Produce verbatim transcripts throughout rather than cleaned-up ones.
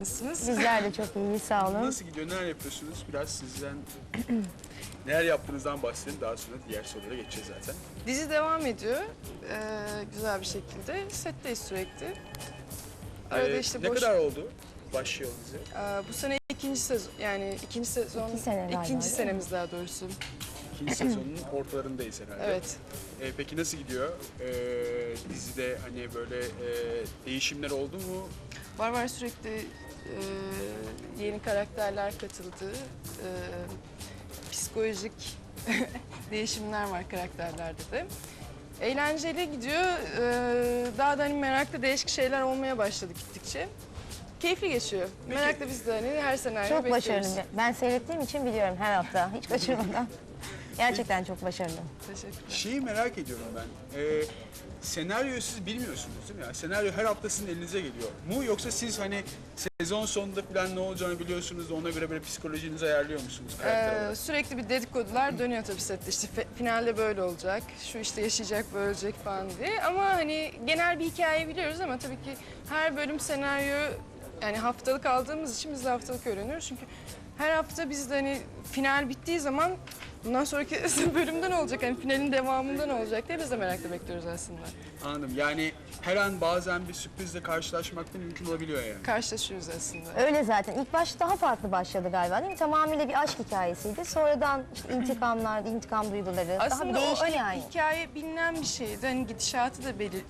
Nasılsınız? Bizler de çok iyiyiz, sağ olun. Nasıl gidiyor, neler yapıyorsunuz? Biraz sizden neler yaptığınızdan bahsedin. Daha sonra diğer sorulara geçeceğiz zaten. Dizi devam ediyor. Ee, güzel bir şekilde. Setteyiz sürekli. Arada Ee, işte ne boş... kadar oldu başlıyor dizi? Ee, bu sene ikinci sezon, yani ikinci sezon, İki sene galiba, ikinci değil senemiz daha doğrusu. İkinci sezonun ortalarındayız herhalde. Evet. Ee, peki nasıl gidiyor? Ee, dizide hani böyle e, değişimler oldu mu? Var var sürekli e, yeni karakterler katıldı. E, psikolojik değişimler var karakterlerde de. Eğlenceli gidiyor. E, daha da hani meraklı değişik şeyler olmaya başladı gittikçe. Keyifli geçiyor. Merakla biz de hani her senaryo Çok bekliyoruz. başarılı. Ben seyrettiğim için biliyorum her hafta, hiç kaçırmadan. Gerçekten çok başarılı. Teşekkürler. Şeyi merak ediyorum ben. Ee, senaryoyu siz bilmiyorsunuz değil mi? Yani senaryo her hafta sizin elinize geliyor mu? Yoksa siz hani sezon sonunda falan ne olacağını biliyorsunuz da ona göre böyle psikolojinizi ayarlıyor musunuz karakter Ee, olarak? sürekli bir dedikodular dönüyor tabii sette. İşte fe- finalde böyle olacak, şu işte yaşayacak, böyle ölecek falan diye. Ama hani genel bir hikaye biliyoruz ama tabii ki her bölüm senaryo, yani haftalık aldığımız için biz de haftalık öğreniyoruz. Çünkü her hafta biz de hani final bittiği zaman bundan sonraki bölümde ne olacak, hani finalin devamında ne olacak diye biz de merakla bekliyoruz aslında. Anladım. Yani her an bazen bir sürprizle karşılaşmak da mümkün olabiliyor yani. Karşılaşıyoruz aslında. Öyle zaten. İlk baş daha farklı başladı galiba değil mi? Tamamıyla bir aşk hikayesiydi. Sonradan işte intikamlar, intikam duyguları daha bir Aslında o değişti hani yani. hikaye bilinen bir şeydi. Hani gidişatı da belli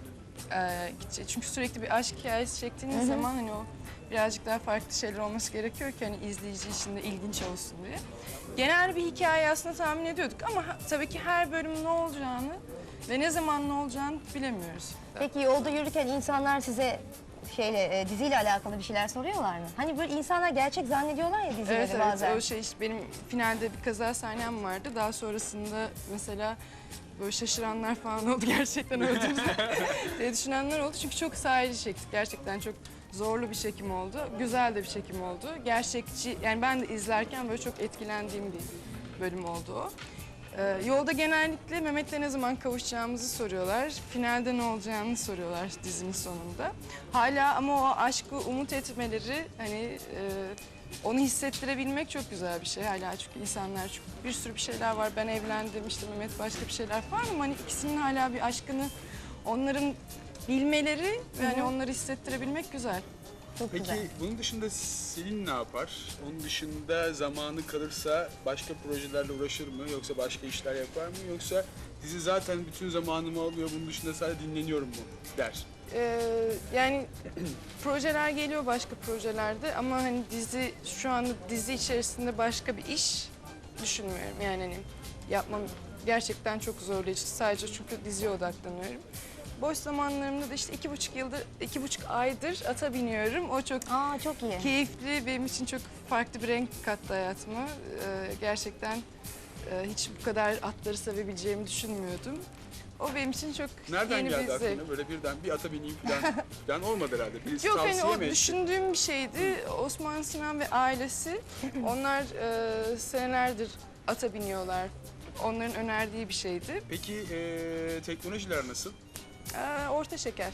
e, gidecek. Çünkü sürekli bir aşk hikayesi çektiğiniz zaman hani o birazcık daha farklı şeyler olması gerekiyor ki hani izleyici için de ilginç olsun diye. Genel bir hikaye aslında tahmin ediyorduk ama ha- tabii ki her bölüm ne olacağını ve ne zaman ne olacağını bilemiyoruz. Peki yolda yürürken insanlar size şeyle, e, diziyle alakalı bir şeyler soruyorlar mı? Hani böyle insanlar gerçek zannediyorlar ya dizileri Evet, evet, bazen. o şey işte benim finalde bir kaza sahnem vardı. Daha sonrasında mesela böyle şaşıranlar falan oldu, gerçekten öldüğümüzü diye düşünenler oldu. Çünkü çok sahili çektik. Gerçekten çok zorlu bir çekim oldu. Güzel de bir çekim oldu. Gerçekçi, yani ben de izlerken böyle çok etkilendiğim bir bölüm oldu o. Ee, yolda genellikle Mehmet'le ne zaman kavuşacağımızı soruyorlar. Finalde ne olacağını soruyorlar dizinin sonunda. Hala ama o aşkı umut etmeleri, hani e, onu hissettirebilmek çok güzel bir şey. Hala çünkü insanlar, çünkü bir sürü bir şeyler var. Ben evlendim, işte Mehmet başka bir şeyler falan ama hani ikisinin hala bir aşkını onların bilmeleri ve hani onları hissettirebilmek güzel. Çok Peki güzel. bunun dışında Selin ne yapar? Onun dışında zamanı kalırsa başka projelerle uğraşır mı? Yoksa başka işler yapar mı? Yoksa dizi zaten bütün zamanımı alıyor, bunun dışında sadece dinleniyorum mu der? Ee, yani projeler geliyor başka projelerde ama hani dizi, şu anda dizi içerisinde başka bir iş düşünmüyorum. Yani hani yapmam gerçekten çok zorlayıcı. Sadece çünkü diziye odaklanıyorum. Boş zamanlarımda da işte iki buçuk yıldır, iki buçuk aydır ata biniyorum. O çok Aa çok iyi. keyifli, benim için çok farklı bir renk kattı hayatıma. Ee, gerçekten e, hiç bu kadar atları sevebileceğimi düşünmüyordum. O benim için çok Nereden yeni geldi bir zevk. aklına? Böyle birden bir ata bineyim falan, falan olmadı herhalde. Birisi Yok, tavsiye hani o mi etti? düşündüğüm bir şeydi. Osman Sinan ve ailesi, onlar e, senelerdir ata biniyorlar. Onların önerdiği bir şeydi. Peki e, teknolojiler nasıl? Aa, orta şeker.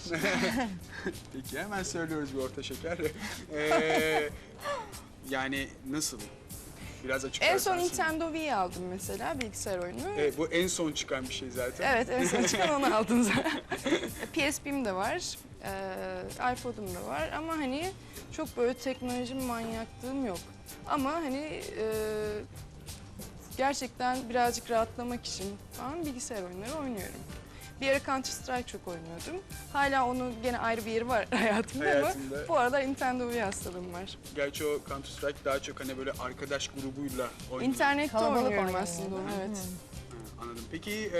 Peki hemen söylüyoruz bir orta şeker. E, yani nasıl? Biraz açıklar En son mısın? Nintendo Wii aldım mesela, bilgisayar oyunu. E, bu en son çıkan bir şey zaten. Evet, en son çıkan onu aldım zaten. P S P'm de var, e, iPod'um da var ama hani çok böyle teknoloji manyaklığım yok. Ama hani e, gerçekten birazcık rahatlamak için falan bilgisayar oyunları oynuyorum. Bir ara Counter Strike çok oynuyordum. Hala onun gene ayrı bir yeri var hayatımda, Hayatında. ama bu arada Nintendo Wii hastalığım var. Gerçi o Counter Strike daha çok hani böyle arkadaş grubuyla oynuyor. İnternette Kalabalık oynuyorum oynuyor. aslında onu, evet. Ha, anladım. Peki e,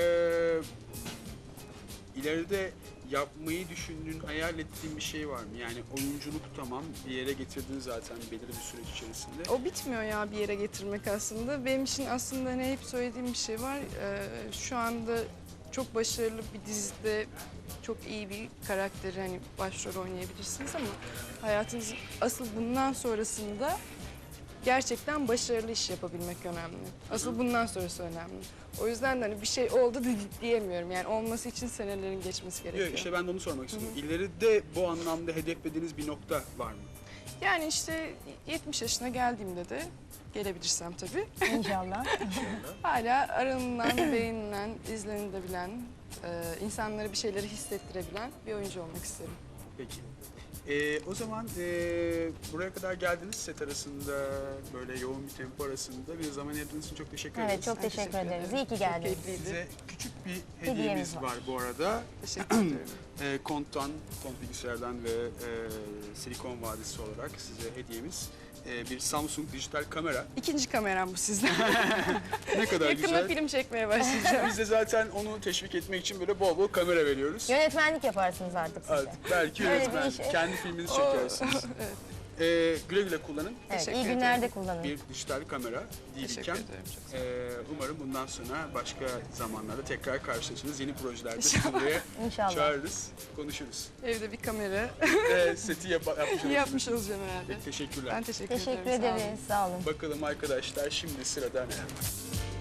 ileride yapmayı düşündüğün, hayal ettiğin bir şey var mı? Yani oyunculuk tamam, bir yere getirdin zaten belirli bir süreç içerisinde. O bitmiyor ya bir yere getirmek aslında. Benim için aslında hani hep söylediğim bir şey var. Ee, şu anda çok başarılı bir dizide çok iyi bir karakteri, hani başrol oynayabilirsiniz ama hayatınız asıl bundan sonrasında gerçekten başarılı iş yapabilmek önemli. Asıl bundan sonrası önemli. O yüzden de hani bir şey oldu di- diyemiyorum. Yani olması için senelerin geçmesi gerekiyor. Yok, işte ben de onu sormak istiyorum. İleride bu anlamda hedeflediğiniz bir nokta var mı? Yani işte yetmiş yaşına geldiğimde de gelebilirsem tabii. İnşallah. Hala aranılan, beğenilen, izlenilebilen, e, insanlara bir şeyleri hissettirebilen bir oyuncu olmak isterim. Peki. Ee, o zaman ee, buraya kadar geldiniz, set arasında böyle yoğun bir tempo arasında bir zaman ayırdığınız için çok teşekkür ederiz. Evet, çok Ben teşekkür teşekkür ederiz. ederim. İyi ki Çok geldiniz. keyifliydi. Size küçük bir Hediyemiz hediyemiz var. var bu arada. Teşekkür ederim. E, Kont'tan, Kont Bilgisayar'dan ve e, Silikon Vadisi olarak size hediyemiz e, bir Samsung dijital kamera. İkinci kameram bu sizden. Ne kadar Yakında güzel. film çekmeye başlayacağım. Biz de zaten onu teşvik etmek için böyle bol bol kamera veriyoruz. Yönetmenlik yaparsınız artık siz de. Artık belki Öyle bir yönetmen, iş. kendi filminizi O- çekersiniz. evet, E, güle güle kullanın. Evet, Teşekkür iyi ederim. günlerde kullanın. Bir dijital kamera teşekkür değilken. ederim. Çok sağ olun. E, umarım bundan sonra başka zamanlarda tekrar karşılaşırız. Yeni projelerde sizi buraya İnşallah. çağırırız, konuşuruz. Evde bir kamera E, seti yap yapmış olursunuz. yapmış olacağım herhalde. Peki, teşekkürler. Ben teşekkür, Teşekkür ederim. Sağ olun. ederiz. Sağ olun. Bakalım arkadaşlar şimdi sırada ne var?